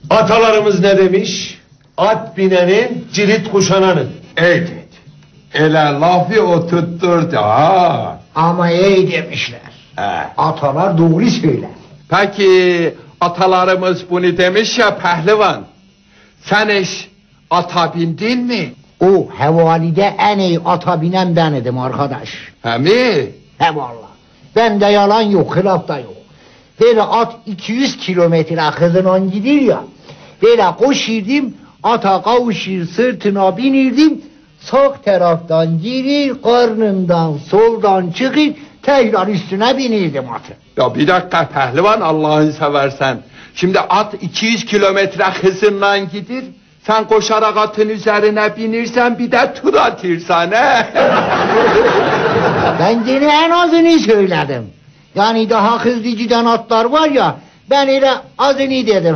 Atalarımız ne demiş? At binenin, cirit kuşananın. Evet. Ele lafı o tutturdu ha. Ama iyi demişler. Atalar doğru söyler. Peki atalarımız bunu demiş ya pehlivan. Sen hiç ata bindin mi? O hevalide en iyi ata binen ben idim arkadaş. He mi? He valla. Bende yalan yok, hılaf da yok. Böyle at 200 kilometre hızla gidiyor ya. Böyle koşirdim, ata kavuşur sırtına binirdim. Sağ taraftan girir, karnından soldan çıkır, tekrar üstüne binirdim atı. Ya bir dakika pehlivan Allah'ını seversen. Şimdi at 200 kilometre hızla gider. Sen koşarak atın üzerine binirsen bir de tur atırsan he. Ben gene en azını söyledim. Yani daha hızlı giden atlar var ya, ben öyle azını dedim.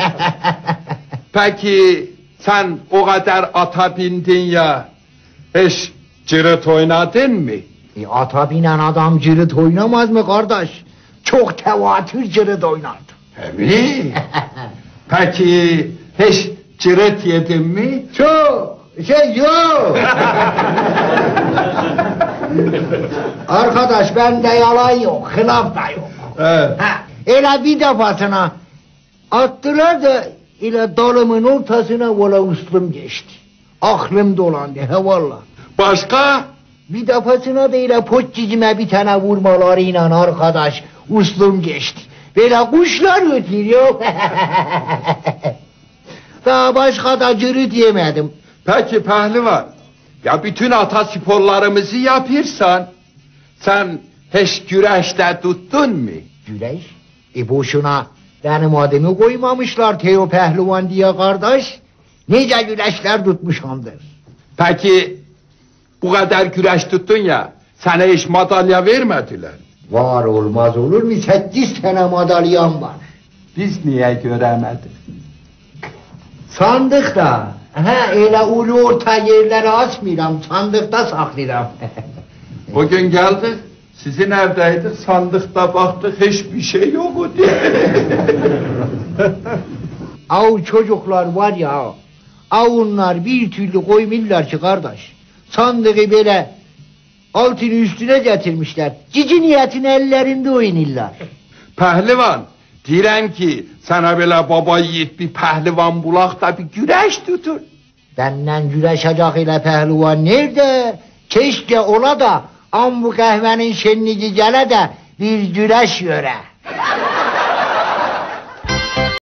Peki sen o kadar ata bindin ya, hiç cırıt oynadın mı? Ata binen adam cırıt oynamaz mı kardeş? Çok tevatür cırıt oynardı. Tabii. Peki hiç cırıt yedin mi? Çok. Yok. Arkadaş bende yalan yok, hılaf da yok. Evet. Öyle bir defasına attılar da ile dalımın ortasına valla uslum geçti. Aklım dolandı he valla. Başka? Bir defasına da ile poçcicime bir tane vurmalarıyla arkadaş uslum geçti. Böyle kuşlar ötüyor. Daha başka da cırıt yemedim. Peki pehlivan, ya bütün ata sporlarımızı yapırsan, sen hiç güreşte tuttun mu? Güreş? Boşuna benim adımı koymamışlar Teo Pehlivan diye kardeş. Nice güreşler tutmuşamdır. Peki bu kadar güreş tuttun ya, sana hiç madalya vermediler? Var olmaz olur mu? 8 tane madalyam var. Biz niye göremedik? Sandıkta. Öyle ulu orta yerlere asmıram, sandıkta saklıram. Bugün geldik, sizin evdeydik, sandıkta baktık hiçbir şey yok diye. Av çocuklar var ya, avunlar bir türlü koymuyorlar ki kardeş. Sandığı böyle altını üstüne getirmişler. Cici niyetini ellerinde oynarlar. Pehlivan, direm ki sana böyle baba yiğit bir pehlivan bulak da bir güreş tutun. Benden güreşecek ile pehlivan nerede? Keşke ola da bu kahvenin şenliği gele de bir güreş göre.